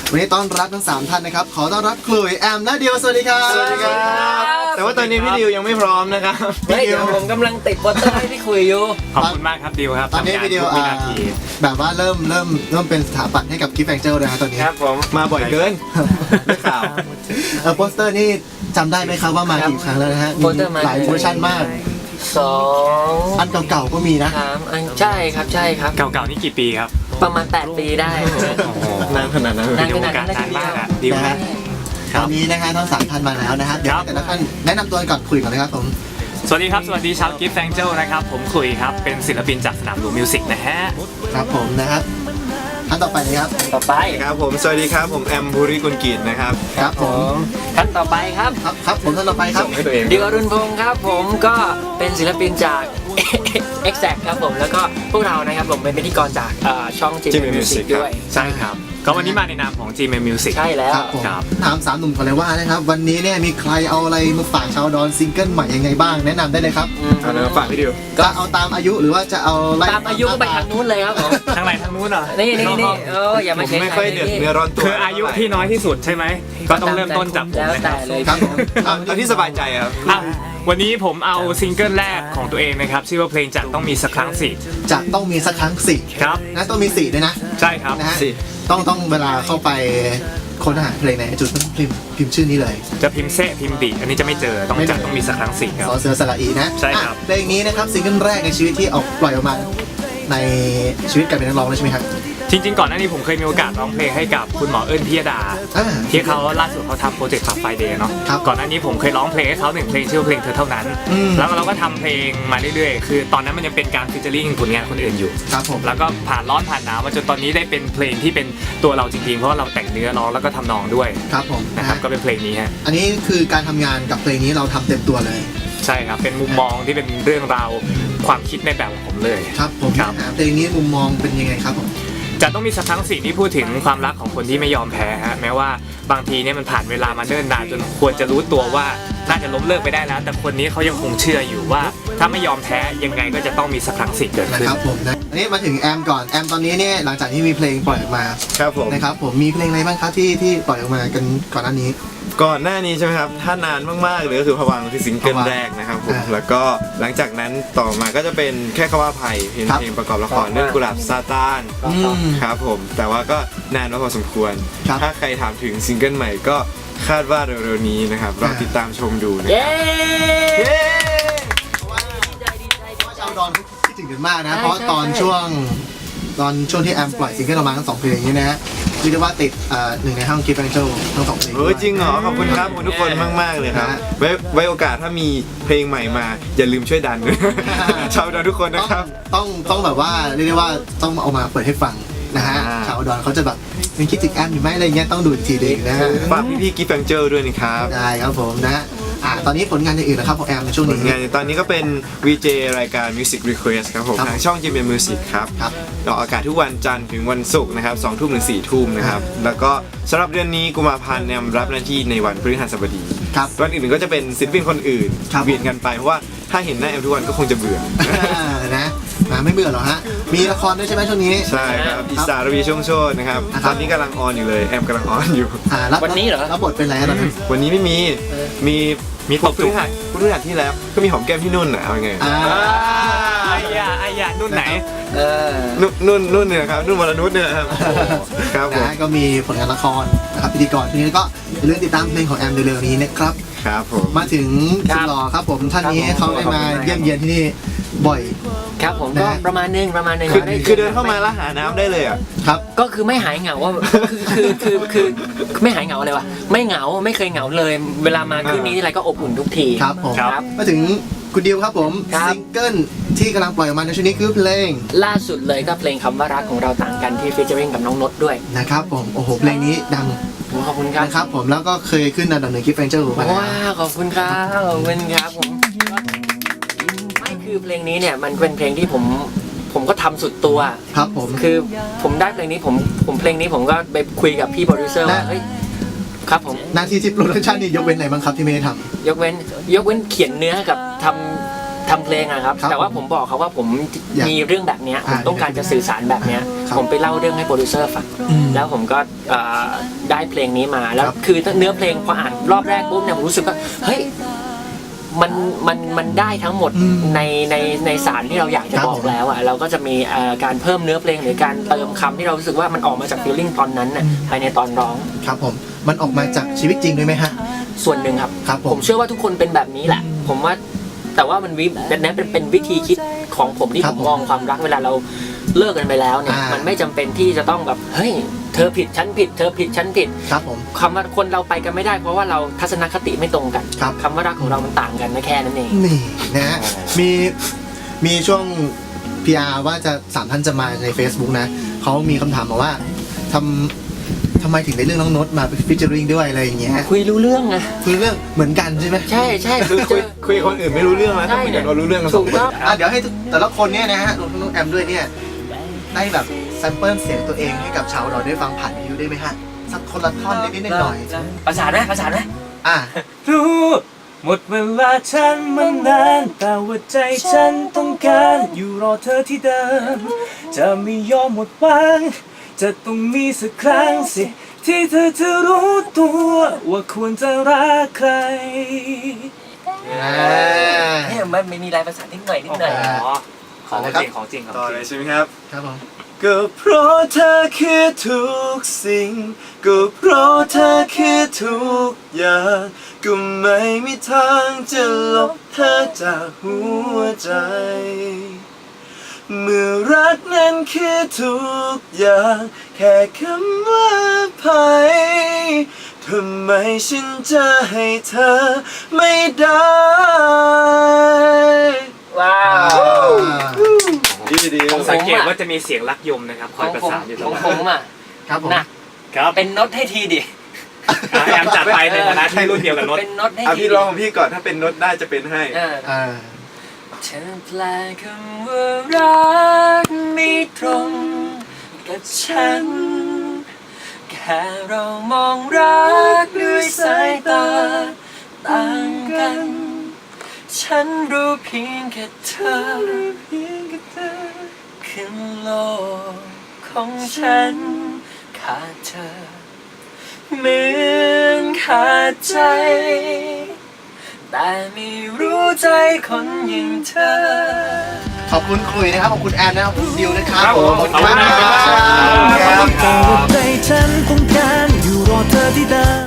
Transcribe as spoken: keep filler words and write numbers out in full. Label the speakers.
Speaker 1: วันนี้ต้อนรับทั้งสามท่านนะครับขอต้อนรับคลุยแอมและเดียวสวัสดีครับ
Speaker 2: สวัสดีครับแต่ว่าตอนนี้พี่ดิวยังไม่พร้อมนะครับ
Speaker 3: เฮ้ยเดี๋ยวผมกำลังติดโปสเตอร์ให้พี่คุยอยู่
Speaker 4: ขอบคุณมากครับดิวครับ
Speaker 1: ตอนนี้พี่ดิวแบบว่าเริ่มเริ่มเริ่มเป็นสถาปัตย์ให้กับกิฟต์แองเจิลเลยครับตอนนี้
Speaker 2: ครับผมมาบ่อยเกินได้ข่าว
Speaker 1: เออโปสเตอร์นี่จำได้ไหมครับว่ามากี่ครั้งแล้วนะฮะมีหลายเวอร์ชันมาก
Speaker 3: สอง
Speaker 1: อันเก่าๆก็มีนะ
Speaker 3: สามอันใช่ครับใช่ครับ
Speaker 4: เก่าๆนี่กี่ปีครับ
Speaker 3: ประมาณแปดปีได้
Speaker 2: นานขนาดนั้น
Speaker 4: ดิวการนานมากอะดิวนะ
Speaker 1: ตอนนี้นะฮะทั้งสามท่านมาแล้วนะฮะเดี๋ยวแต่ละท่านแนะนำตัวก่อนคุยก่อนเลยครับผม
Speaker 4: สวัสดีครับสวัสดีชาวกิฟต์แองเจิลนะครับผมคุยครับเป็นศิลปินจากสนามหลวงมิวสิกนะฮะ
Speaker 1: ครับผมนะครับท่านต่อไปเลยครับ
Speaker 3: ต่อไป
Speaker 2: ครับผมสวัสดีครับผมแอมภูริกุลกิจนะครับ
Speaker 1: ครับผม
Speaker 3: ท่านต่อไปครับ
Speaker 1: ครับครับผมท่านต่อไปครับ
Speaker 3: ดิวอรุณพงศ์ครับผมก็เป็นศิลปินจาก Exact ครับผมแล้วก็พวกเรานะครับผมเป็นพิธีกรจากช่อง จี เอ็ม Music ด้วย
Speaker 4: ใช่ครับก็วันนี้มาในนามของ จี เอ็ม Music
Speaker 3: ใช่แล้ว
Speaker 1: ครับถามสามหนุ่มก่อนเลยว่านะครับวันนี้เนี่ยมีใครเอาอะไรมาฝากชาวดอนซิงเกิลใหม่ยังไงบ้างแนะนำได้เลยครับ
Speaker 2: เอาเลยฝากพี่ดิว
Speaker 1: ก็เอาตามอายุหรือว่าจะเอา
Speaker 3: ตามอายุก็ไปทางนู้นเลยครับผม
Speaker 4: ทางไหนทางนู้นเหรอ
Speaker 3: นี่นี่นี่เอออย่ามาใช้
Speaker 2: ไม่ค่อยเดือดเนื้อร้อนตัว
Speaker 4: คืออายุที่น้อยที่สุดใช่ไหมก็ต้องเริ่มต้นจากผม
Speaker 3: แล้วแต่เลย
Speaker 1: ครับ
Speaker 2: เอาที่สบายใจครับ
Speaker 4: วันนี้ผมเอาซิงเกิลแรกของตัวเองนะครับชื่อว่าเพลงจะต้องมีสักครั้งสิ
Speaker 1: จะต้องมีสักครั้งสิ
Speaker 4: ครับ
Speaker 1: นะต้องมีสี่ด้วยนะ
Speaker 4: ใช่ครับ
Speaker 1: นะฮะต้องต้องเวลาเข้าไปค้นหาเพลงในจุดต้องพิมพ์พิมพ์ชื่อนี้เลย
Speaker 4: จะพิมพ์เซพิมพ์บีอันนี้จะไม่เจอต้องจะต้องมีสักครั้งสิครับ
Speaker 1: สอเสือสระอีนะ
Speaker 4: ใช่ครับ
Speaker 1: เพลงนี้นะครับซิงเกิลแรกในชีวิตที่ออกปล่อยออกมาในชีวิตการเป็นนักร้องเลยใช่ไหมครับ
Speaker 4: จริงๆก่อนหน้านี้ผมเคยมีโอกาสร้องเพลงให้กับคุณหมอเอิญพิยดาที่เขาล่าสุดเขาทำโปรเจกต์ขับไฟเดย์เนาะก่อนหน้านี้ผมเคยร้องเพลงให้เขาหนึ่งเพลงชื่อเพลงเธอเท่านั้นแล้วเราก็ทำเพลงมาเรื่อยๆคือตอนนั้นมันยังเป็นการฟีเจอริ่งผลงานคนอื่นอยู่
Speaker 1: ครับผม
Speaker 4: แล้วก็ผ่านร้อนผ่านหนาวมาจนตอนนี้ได้เป็นเพลงที่เป็นตัวเราจริงๆเพราะว่าเราแต่งเนื้อร้องแล้วก็ทำนองด้วย
Speaker 1: ครับผม
Speaker 4: นะครับก็เป็นเพลงนี้ฮะ
Speaker 1: อันนี้คือการทำงานกับเพลงนี้เราทำเต็มตัวเลย
Speaker 4: ใช่ครับเป็นมุมมองที่เป็นเรื่องราวความคิดในแบบของผมเลย
Speaker 1: ครับผมเพลงนี้มุมมองเป็นยังไงครับผม
Speaker 4: จะต้องมีสักครั้งสิ่งที่พูดถึงความรักของคนที่ไม่ยอมแพ้ฮะแม้ว่าบางทีเนี่ยมันผ่านเวลามาเนิ่นนานจนควรจะรู้ตัวว่าน่าจะล้มเลิกไปได้แล้วแต่คนนี้เขายังคงเชื่ออยู่ว่าถ้าไม่ยอมแพ้ยังไงก็จะต้องมีสักครั้งสิ่งเกิดขึ้น
Speaker 1: นะครับผมนะอันนี้มาถึงแอมก่อนแอมตอนนี้เนี่ยหลังจากที่มีเพลงปล่อยออกมา
Speaker 2: ครับผม
Speaker 1: นะครับผมมีเพลงอะไรบ้างครับที่ที่ปล่อยออกมากันก่อนหน้านี้
Speaker 2: ก่อนหน้านี้ใช่ไหมครับถ้านานมากๆเลยก็คือพวังคือซิงเกิลแรกนะครับผมแล้วก็หลังจากนั้นต่อมาก็จะเป็นแค่คำว่าภัยเพลงเพลงประกอบละครเรื่องกุหลาบซาตานครับผมแต่ว่าก็นานพอสมควรถ้าใครถามถึงซิงเกิลใหม่ก็คาดว่าเร็วๆนี้นะครับรอติดตามชมดูนะครับ
Speaker 3: เย้
Speaker 1: เพราะว่าชาวดอนคิดถึงกันมากนะเพราะตอนช่วงตอนช่วงที่แอมปล่อยซิงเกิลออกมาทั้งสองเพลงนี้นะฮะเรียกได้ว่าติดหนึ่งในห้องกิฟต์แองเจิลทั้งสองเพลง
Speaker 2: เออจริงเหรอขอบคุณครับทุกคนมากๆเลยครับไว้ไว้โอกาสถ้ามีเพลงใหม่มาอย่าลืมช่วยดันชาวดอนทุกคนนะครับ
Speaker 1: ต้องต้องแบบว่าเรียกได้ว่าต้องเอามาเปิดให้ฟังนะฮะชาวดอนเขาจะแบบยังคิดถึงแอมอยู่ไหมอะไรเงี้ยต้องดูทีเด็กนะฮะ
Speaker 2: ฝากพี่ๆกิฟต์แองเจิลด้วยนะครับ
Speaker 1: ได้ครับผมนะอ่าตอนนี้ผลงานอื่นนะครับของแอมในช่วงนี้
Speaker 2: งานตอนนี้ก็เป็น วี เจ รายการ Music Request ครับผมทางช่อง จี เอ็ม Music ครับออกอากาศทุกวันจันทร์ถึงวันศุกร์นะครับสองทุ่มถึงสี่ทุ่มนะครับแล้วก็สำหรับเดือนนี้กุมภาพันธ์แอมรับหน้าที่ในวันพฤหัสบดีวันอื่นก็จะเป็นศิลปินคนอื่นเวียนกันไปเพราะว่าถ้าเห็นหน้าแอมทุกวันก็คงจะเบื่อ
Speaker 1: นะไม่เบื่อหรอฮะมีละครด้วยใช่ไหมช่วงนี้
Speaker 2: ใช่ครับอิสระวีช่วงโชดนะครับตอนนี้กำลังออนอยู่เลยแอมกำลังออนอยู่
Speaker 3: วันนี้เหรอ
Speaker 1: รับบทเป็นอะไรตอนนี้
Speaker 2: วันนี้ไม่มีมีมีตบพฤหัสพฤหัสที่แล้วก็มีหอมแก้มที่นุ่นอ่ะเอาไง
Speaker 4: อ่าไอ้ยาไอ้ยานุ่นไหน
Speaker 2: เออนุ่นนุ่นเนี่ยครับนุ่นวรนุชเนี่ยครับครับผม
Speaker 1: ก็มีผลงานละครนะครับพิธีกรทีนี้ก็เรื่องติดตามเพลงของแอมเร็วๆนี้นะครับ
Speaker 2: ครับผม
Speaker 1: มาถึงสุดหล่อครับผมท่านนี้เขาได้มาเยี่ยมเยียนที่นี่บ่อย
Speaker 3: ครับผมก็ประมาณนึงประมาณนึง
Speaker 2: คือเดินเข้ามาแล้วหาน้ำได้เลยอ่ะ
Speaker 1: ครับ
Speaker 3: ก็คือไม่หายเหงาว่าคือคือคือไม่หายเหงาเลยวะไม่เหงาไม่เคยเหงาเลยเวลามาคืนนี้ที่ไรก็อบอุ่นทุกที
Speaker 1: ครับผมมาถึงคุณดิวครับผมซิงเกิลที่กำลังปล่อยออกมาในช่วงนี้คือเพลง
Speaker 3: ล่าสุดเลยก็เพลงคำว่ารักของเราต่างกันที่ฟีเจอริ่งกับน้องนดด้วย
Speaker 1: นะครับผมโอ้โหเพลงนี้ดัง
Speaker 3: ขอบคุณครับ
Speaker 1: นะครับผมแล้วก็เคยขึ้นอันดับหนึ่งกิฟต์แองเจิลมาแล้ว
Speaker 3: ว้าขอบคุณครับขอบคุณครับผมไม่คือเพลงนี้เนี่ยมันเป็นเพลงที่ผมผมก็ทำสุดตัว
Speaker 1: ครับผม
Speaker 3: คือผมได้เพลงนี้ผมผมเพลงนี้ผมก็ไปคุยกับพี่โปรดิวเซอร์ว่าเฮ้ยครับผม
Speaker 1: หน้าที่ที่โปรดักชันนี่ยกเว้นไหนบ้างครับที่ไม่ได้ทำ
Speaker 3: ยกเว้นยกเว้นเขียนเนื้อกับทำทำเพลงอะครับ
Speaker 1: ครับ
Speaker 3: แต่ว่าผมบอกเขาว่าผม
Speaker 1: อยาก
Speaker 3: มีเรื่องแบบเนี้ยผ
Speaker 1: อ่าม
Speaker 3: ต้องการจะสื่อสารแบบเนี้ย
Speaker 1: ครับ
Speaker 3: ผมไปเล่าเรื่องให้โปรดิวเซอร์ฟัง
Speaker 1: อืม
Speaker 3: แล้วผมก็เอ่อได้เพลงนี้มาแล้ว
Speaker 1: ครับ
Speaker 3: คือเนื้อเพลงพออ่านรอบแรกปุ๊บเนี่ยผมรู้สึกว่าเฮ้ยมันมันมันได้ทั้งหมด
Speaker 1: อืม
Speaker 3: ในในในสารที่เราอยากจะ
Speaker 1: ครับ
Speaker 3: บอก
Speaker 1: ผม
Speaker 3: แล้วอ่ะเราก็จะมีเอ่อการเพิ่มเนื้อเพลงหรือการเติมคำที่เรารู้สึกว่ามันออกมาจากฟีลลิ่งตอนนั้นน่ะภายในตอนร้อง
Speaker 1: ครับผมมันออกมาจากชีวิตจริงด้วยไหมฮะ
Speaker 3: ส่วนหนึ่งครับ
Speaker 1: ครับผม
Speaker 3: ผมเชื่อว่าทุกคนเป็นแบบนี้แหละ ผมว่าแต่ว่ามันวิแต่นั้นเป็นเป็นวิธีคิดของผมที่
Speaker 1: ครั
Speaker 3: ผ
Speaker 1: บ
Speaker 3: มมองความรักเวลาเราเลิกกันไปแล้วเนี่ย
Speaker 1: อ่ามั
Speaker 3: มันไม่จำเป็นที่จะต้องแบบเฮ้ยเธอผิดฉันผิด เธอผิดฉันผิด
Speaker 1: ครับผม
Speaker 3: คำว่าคนเราไปกันไม่ได้เพราะว่าเราทัศนคติไม่ตรงกัน
Speaker 1: ครับ
Speaker 3: คำว่ารักของเรามันต่างกันนะแค่นั้นเอง
Speaker 1: นี่นะฮะมีมีช่วง พี อาร์ ว่าจะสามท่านจะมาใน Facebook นะเขามีคำถามมาว่าทำทำไมถึงได้เรื่องน้องโน้ตมาเป็นฟิชเจอริงด้วยอะไรอย่างเงี้ย
Speaker 3: คุยรู้เรื่องไง
Speaker 1: คือเรื่องเหมือนกันใช่ไหม
Speaker 3: ใช่ใช่
Speaker 2: คือ
Speaker 3: เจ
Speaker 2: คุย
Speaker 3: อ
Speaker 2: คุยกับคนอื่นไม่รู้เรื่องแล้วต้องคุยกับเรารู้เรื่องกันสอง
Speaker 3: ถูก
Speaker 2: คน
Speaker 3: ต้อง
Speaker 1: อ่ะเดี๋ยวให้แต่ละคนเนี่ยนะฮะรวมทั้งน้องแอมด้วยเนี่ยได้แบบแซมเปิลเสียงตัวเองให้กับชาวเราได้ฟังผ่านวิทยุได้ไหมฮะสักคนละท่อนนิดๆหน่อย
Speaker 3: ประสานไหมประสานไหม
Speaker 1: ๆอ่ะ
Speaker 5: รู้หมดเวลาฉันมานานแต่ว่าใจฉันต้องการอยู่รอเธอที่เดิม จะไม่ยอมหมดหวังจะต้องมีสักครั้งสิที่เธอจะรู้ตัวว่าควรจะรักใคร
Speaker 1: อ่า
Speaker 3: เนี่ยมันไม่มีลายประสานนิดหน่อยนิดหน่อย
Speaker 5: อ๋อข
Speaker 1: ขอ
Speaker 5: อง
Speaker 1: เลย
Speaker 5: จ
Speaker 1: ครับ
Speaker 5: ริงของจริงของ
Speaker 2: ต่อ
Speaker 5: จ
Speaker 2: เล
Speaker 5: ริ
Speaker 2: ย
Speaker 5: ง
Speaker 2: ใช่ไหมครับ
Speaker 1: ครับผม
Speaker 2: ก็เพราะเธอคือทุกสิ่งก็เพราะเธอคือทุกอย่างก็ไม่มีทางจะลบเธอจากหัวใจ เมื่อรักนั้นคือทุกอย่างแค่คำว่าภัยทำไมฉันจะให้เธอไม่ได้
Speaker 3: ว้าว
Speaker 2: ดีดี
Speaker 3: ของ
Speaker 5: สังเกตว่าจะมีเสียงรักยมนะครับค
Speaker 3: ข
Speaker 5: อ
Speaker 3: อย ง
Speaker 5: ประ
Speaker 3: ผม
Speaker 5: สานอยู่ต
Speaker 3: ข
Speaker 5: ล
Speaker 3: อง
Speaker 5: อด
Speaker 3: ผมอ่ะ
Speaker 1: ครับผม
Speaker 3: หนัก
Speaker 5: ครับ
Speaker 3: เป็นโน้ตให้ทีดิ
Speaker 5: อ่ะแอมจัดไปในฐานะที่รุ่นเดียวกับโนต
Speaker 3: เป็นโน้ตให้
Speaker 2: อ่ะ
Speaker 3: ที
Speaker 2: พี่ลองของพี่ก่อนถ้าเป็นโน้ตได้จะเป็นให้
Speaker 3: เออ
Speaker 1: อ่า
Speaker 3: เธอแปลคำว่ารักไม่ตรงกับฉัน แค่เรามองรักด้วยสายตาต่างกัน ฉันรู้เพียงแค่เธอคือโลกของฉันขาดเธอเหมือนขาดใจ แต่ไม่รู้ใจคนอย่างเธอ
Speaker 1: ขอบคุณคุยนะครับ ขอบคุณแอนนะครับขอบคุณดิวนะครับ
Speaker 5: ครับผม
Speaker 1: ขอบคุณ
Speaker 5: ขอบคุณ
Speaker 1: มาก
Speaker 5: มาก
Speaker 1: ครับ
Speaker 5: ครับ
Speaker 1: ครับ
Speaker 5: แต่ว่าใจฉันต้องการอยู่รอเธอที่เดิม